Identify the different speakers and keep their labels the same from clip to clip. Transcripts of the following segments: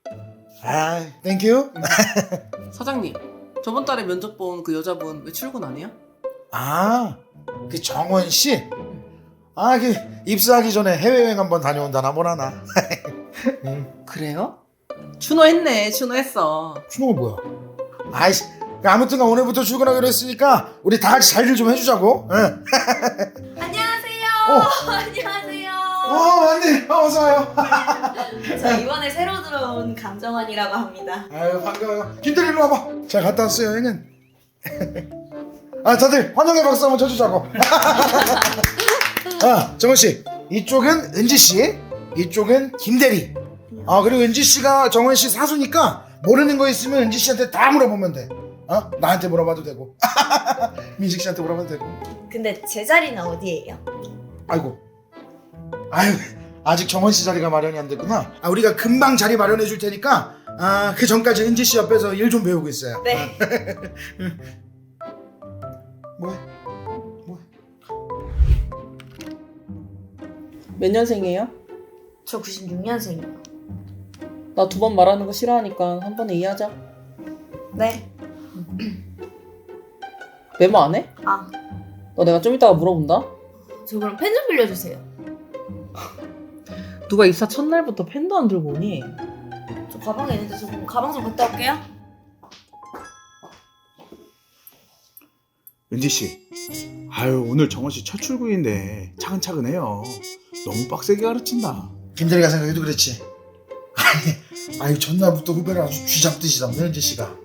Speaker 1: 아, 땡큐.
Speaker 2: 사장님, 저번 달에 면접 본 그 여자분 왜 출근 안 해요?
Speaker 1: 아, 그 정원 씨? 아, 그 입사하기 전에 해외여행 한번 다녀온다나 뭐라나.
Speaker 2: 그래요? 추노했네, 추노했어.
Speaker 1: 추노가 뭐야? 아이씨, 아무튼간 오늘부터 출근하기로 했으니까 우리 다 같이 잘 일 좀 해주자고. 응.
Speaker 3: 안녕하세요. 안녕하세요.
Speaker 1: 언니, 어서 와요.
Speaker 3: 저 이번에 새로 들어온 감정원이라고 합니다.
Speaker 1: 아유, 반가워요. 김대리 일로 와봐. 잘 갔다 왔어요, 여행은. 아, 다들 환영의 박수 한번 쳐주자고. 아, 정원 씨, 이쪽은 은지 씨, 이쪽은 김대리. 아, 그리고 은지 씨가 정원 씨 사수니까 모르는 거 있으면 은지 씨한테 다 물어보면 돼. 어? 나한테 물어봐도 되고, 민식 씨한테 물어봐도 되고.
Speaker 3: 근데 제 자리는 어디예요?
Speaker 1: 아이고, 아유, 아직 정원 씨 자리가 마련이 안 됐구나. 아, 우리가 금방 자리 마련해 줄 테니까, 아, 그 전까지 은지 씨 옆에서 일 좀 배우고 있어요.
Speaker 3: 네.
Speaker 1: 뭐해?
Speaker 2: 몇 년생이에요?
Speaker 3: 저 96년생이요.
Speaker 2: 나 두 번 말하는 거 싫어하니까 한 번에 이해하자.
Speaker 3: 네.
Speaker 2: 메모 안 해?
Speaker 3: 아,
Speaker 2: 너 내가 좀 이따가 물어본다.
Speaker 3: 저 그럼 펜 좀 빌려주세요.
Speaker 2: 누가 입사 첫날부터 펜도 안 들고 오니?
Speaker 3: 저 가방에 있는데 저 그럼 가방 좀 갔다 올게요.
Speaker 4: 은지 씨, 아유 오늘 정원 씨 첫 출근인데 차근차근해요. 너무 빡세게 가르친다.
Speaker 1: 김대리가 생각해도 그렇지. 아유, 전날부터 후배를 아주 쥐잡듯이 잡네, 은지 씨가.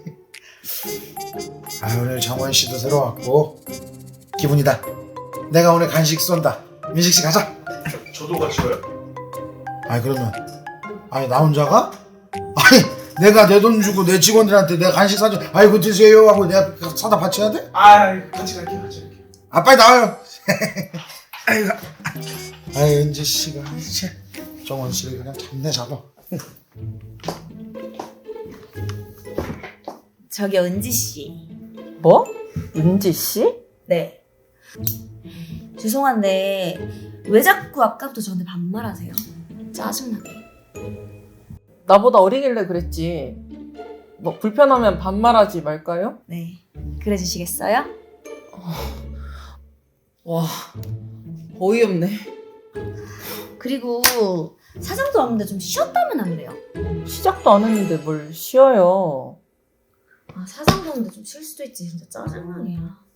Speaker 1: 아, 오늘 정원 씨도 새로 왔고 기분이다. 내가 오늘 간식 쏜다. 민식 씨 가자.
Speaker 4: 저도 같이 가요?
Speaker 1: 아니, 그러면 아니 나 혼자가? 아니, 내가 내 돈 주고 내 직원들한테 내가 간식 사줘. 아이고 드세요 하고 내가 사다 바쳐야 돼?
Speaker 4: 아, 같이 갈게요.
Speaker 1: 아, 빨리 나와요. 아이고, 아이, 은지 씨가 이제 정원 씨를 그냥 잡네 잡아.
Speaker 3: 저기요, 은지 씨.
Speaker 2: 뭐? 은지 씨?
Speaker 3: 네. 죄송한데 왜 자꾸 아까부터 저한테 반말하세요? 짜증나게.
Speaker 2: 나보다 어리길래 그랬지. 뭐 불편하면 반말하지 말까요?
Speaker 3: 네. 그래 주시겠어요?
Speaker 2: 와, 어이없네.
Speaker 3: 그리고 사장도 없는데 좀 쉬었다면 안 돼요?
Speaker 2: 시작도 안 했는데 뭘 쉬어요.
Speaker 3: 아, 사장도 없는데 좀 쉴 수도 있지. 진짜 짜증나게.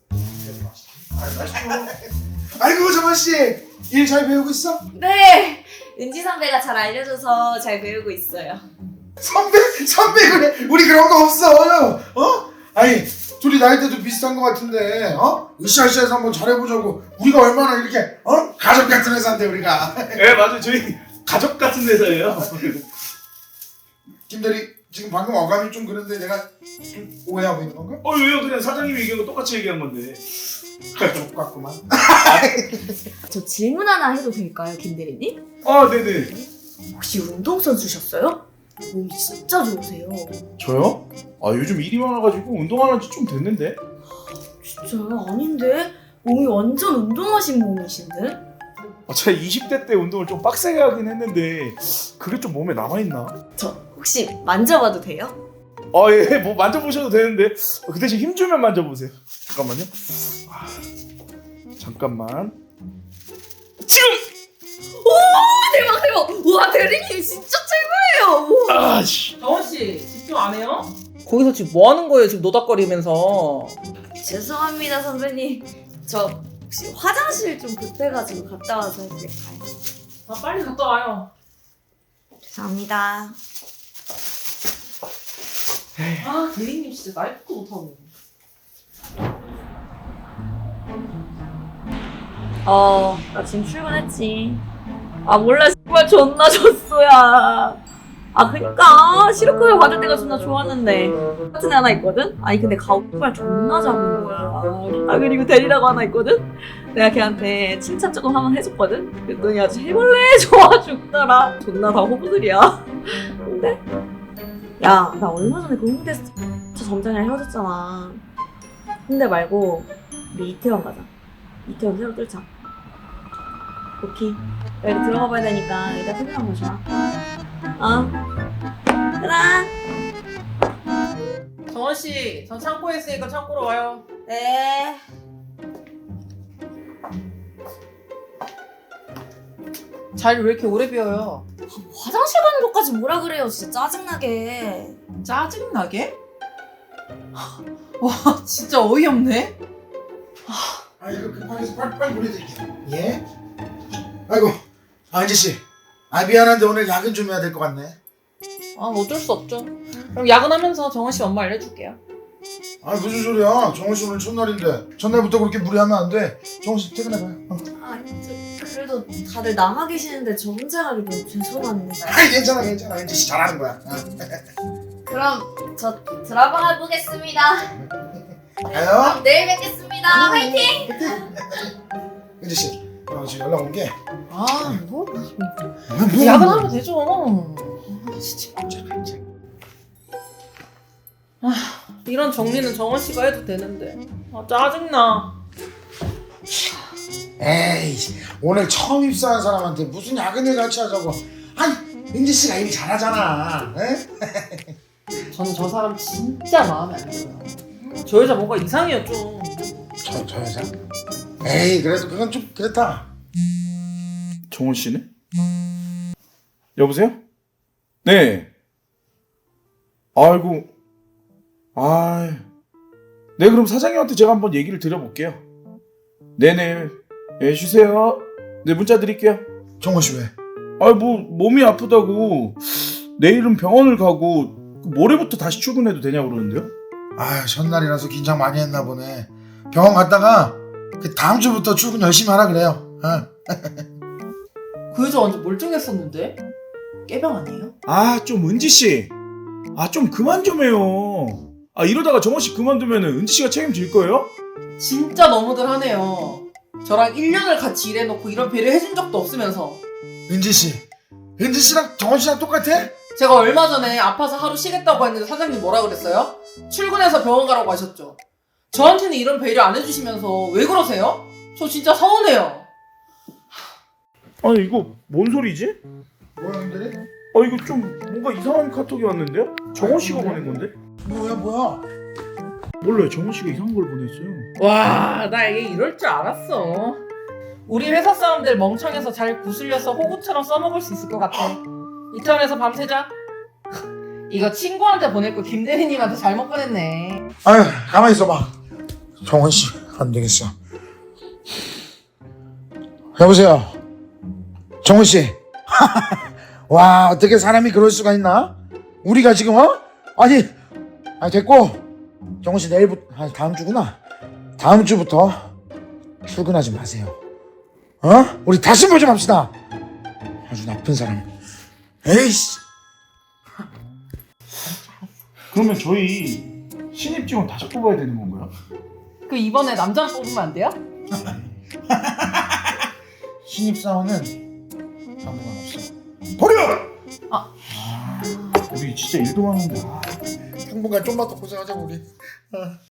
Speaker 1: 아이고, 정원 씨 일 잘 배우고 있어?
Speaker 3: 네! 은지 선배가 잘 알려줘서 잘 배우고 있어요.
Speaker 1: 선배 그래. 우리 그런 거 없어. 어? 아니, 둘이 나이대도 비슷한 거 같은데, 어? 으쌰으쌰해서 한번 잘해보자고. 우리가 얼마나 이렇게, 어? 가족 같은 회사인데 우리가.
Speaker 4: 네, 맞아요. 저희 가족 같은 회사예요.
Speaker 1: 김대리, 지금 방금 어감이 좀 그런데 내가 좀 오해하고 있는 건가?
Speaker 4: 왜요? 그냥 사장님이 얘기한 거 똑같이 얘기한 건데.
Speaker 1: 가족 같구만.
Speaker 3: 저 질문 하나 해도 될까요, 김대리님?
Speaker 4: 아, 네네.
Speaker 3: 혹시 운동선수셨어요? 몸이 진짜 좋으세요.
Speaker 4: 저요? 아, 요즘 일이 많아가지고 운동 안 한 지 좀 됐는데.
Speaker 3: 진짜요? 아닌데? 몸이 완전 운동하신 몸이신데?
Speaker 4: 아, 제가 20대 때 운동을 좀 빡세게 하긴 했는데 그게 좀 몸에 남아있나?
Speaker 3: 저 혹시 만져봐도 돼요?
Speaker 4: 아, 예, 뭐 만져보셔도 되는데 그 대신 힘 주면 만져보세요. 잠깐만요. 아, 잠깐만. 지금!
Speaker 3: 대박 대박! 우와, 대리님 진짜 최고예요! 우와.
Speaker 4: 아, 씨.
Speaker 2: 정원씨, 집중 안 해요? 거기서 지금 뭐 하는 거예요? 지금 노닥거리면서.
Speaker 3: 죄송합니다, 선배님. 저 혹시 화장실 좀 급해가지고 갔다 와서 해도 될까요?
Speaker 2: 아, 빨리 갔다 와요.
Speaker 3: 죄송합니다.
Speaker 2: 아, 대리님 진짜 말도 못하고.
Speaker 3: 나 지금 출근했지. 아, 몰라, 정말 존나 졌어야. 아, 그니까 시루코를 받을 때가 존나 좋았는데 같은 애 하나 있거든? 아니 근데 가오빨 존나 잡은 거야. 아, 그리고 대리라고 하나 있거든? 내가 걔한테 칭찬 조금 한번 해줬거든? 그랬더니 아주 해볼래 좋아 죽더라. 존나 다 호구들이야. 근데 야, 나 얼마 전에 그 홍대 저 점장이랑 헤어졌잖아. 홍대 말고 우리 이태원 가자. 이태원 새로 뚫자. 오케이. 나 이거 들어가 봐야 되니까 이따 퇴근하고 오자. 어? 얘들아.
Speaker 2: 정원 씨, 전 창고에 있으니까 창고로 와요.
Speaker 3: 네.
Speaker 2: 자리 왜 이렇게 오래 비워요?
Speaker 3: 화장실 가는 것까지 뭐라 그래요. 진짜 짜증나게.
Speaker 2: 짜증나게? 와, 진짜 어이없네.
Speaker 1: 아 이거 급하게 해서 빨리 보내드릴게요. 예? 아이고 은지씨 미안한데 오늘 야근 좀 해야 될 것 같네.
Speaker 2: 아, 어쩔 수 없죠. 그럼 야근하면서 정원 씨 엄마 알려줄게요.
Speaker 1: 무슨 소리야. 정원씨 오늘 첫날인데 전날부터 그렇게 무리하면 안 돼. 정원씨 퇴근해봐요.
Speaker 3: 그래도 다들 나가 계시는데 저 혼자 가기 너무 죄송합니다.
Speaker 1: 괜찮아 은지씨 잘하는 거야.
Speaker 3: 그럼 저 드라마 보겠습니다.
Speaker 1: 가요.
Speaker 3: 그럼 내일 뵙겠습니다. 화이팅!
Speaker 1: 은지씨 지금 연락 온게
Speaker 2: 아, 뭐?
Speaker 1: 뭐
Speaker 2: 야근하면 되죠. 진짜. 이런 정리는 정원 씨가 해도 되는데. 짜증나.
Speaker 1: 에이 오늘 처음 입사한 사람한테 무슨 야근을 같이 하자고. 아니 은지씨가 일 잘하잖아. 에?
Speaker 2: 저는 저 사람 진짜 마음에 안 들어요. 저 여자 뭔가 이상해요, 좀.
Speaker 1: 저 여자? 에이 그래도 그건 좀 그렇다.
Speaker 4: 정원 씨네? 여보세요? 네. 아이고. 네, 그럼 사장님한테 제가 한번 얘기를 드려볼게요. 네네. 예, 쉬세요. 네, 문자 드릴게요.
Speaker 1: 정원씨 왜?
Speaker 4: 뭐 몸이 아프다고 내일은 병원을 가고 모레부터 다시 출근해도 되냐고 그러는데요?
Speaker 1: 첫날이라서 긴장 많이 했나 보네. 병원 갔다가 그 다음 주부터 출근 열심히 하라 그래요.
Speaker 2: 그 여자 완전 멀쩡했었는데? 깨병 아니에요?
Speaker 4: 좀 은지씨. 좀 그만 좀 해요. 이러다가 정원씨 그만두면 은지씨가 책임질 거예요?
Speaker 2: 진짜 너무들 하네요. 저랑 1년을 같이 일해놓고 이런 배려 해준 적도 없으면서.
Speaker 1: 은지씨랑 정원씨랑 똑같아?
Speaker 2: 제가 얼마 전에 아파서 하루 쉬겠다고 했는데 사장님 뭐라 그랬어요? 출근해서 병원 가라고 하셨죠. 저한테는 이런 배려 안 해주시면서 왜 그러세요? 저 진짜 서운해요.
Speaker 4: 이거 뭔 소리지?
Speaker 1: 뭐야 형들이?
Speaker 4: 이거 좀 뭔가 이상한 카톡이 왔는데요? 정원씨가 보낸 건데?
Speaker 1: 뭐야
Speaker 4: 몰라요. 정원씨가 이상한 걸 보냈어요.
Speaker 2: 와, 나 얘 이럴 줄 알았어. 우리 회사 사람들 멍청해서 잘 구슬려서 호구처럼 써먹을 수 있을 것 같아. 이태원에서 밤새자. 이거 친구한테 보낼 거 김대리님한테 잘못 보냈네.
Speaker 1: 가만히 있어봐. 정원씨 안 되겠어. 여보세요 정원씨. 와 어떻게 사람이 그럴 수가 있나? 우리가 지금 아니 됐고 정원씨 내일부터 다음 주구나. 다음 주부터 출근하지 마세요. 우리 다시 보지 맙시다. 아주 나쁜 사람. 에이씨.
Speaker 4: 그러면 저희 신입 직원 다시 뽑아야 되는 건가요?
Speaker 2: 그 이번에 남자 뽑으면 안 돼요?
Speaker 1: 신입사원은 당분간 없어. 버려!
Speaker 4: 우리 진짜 일도 하는데.
Speaker 1: 당분간 좀만 더 고생하자 우리.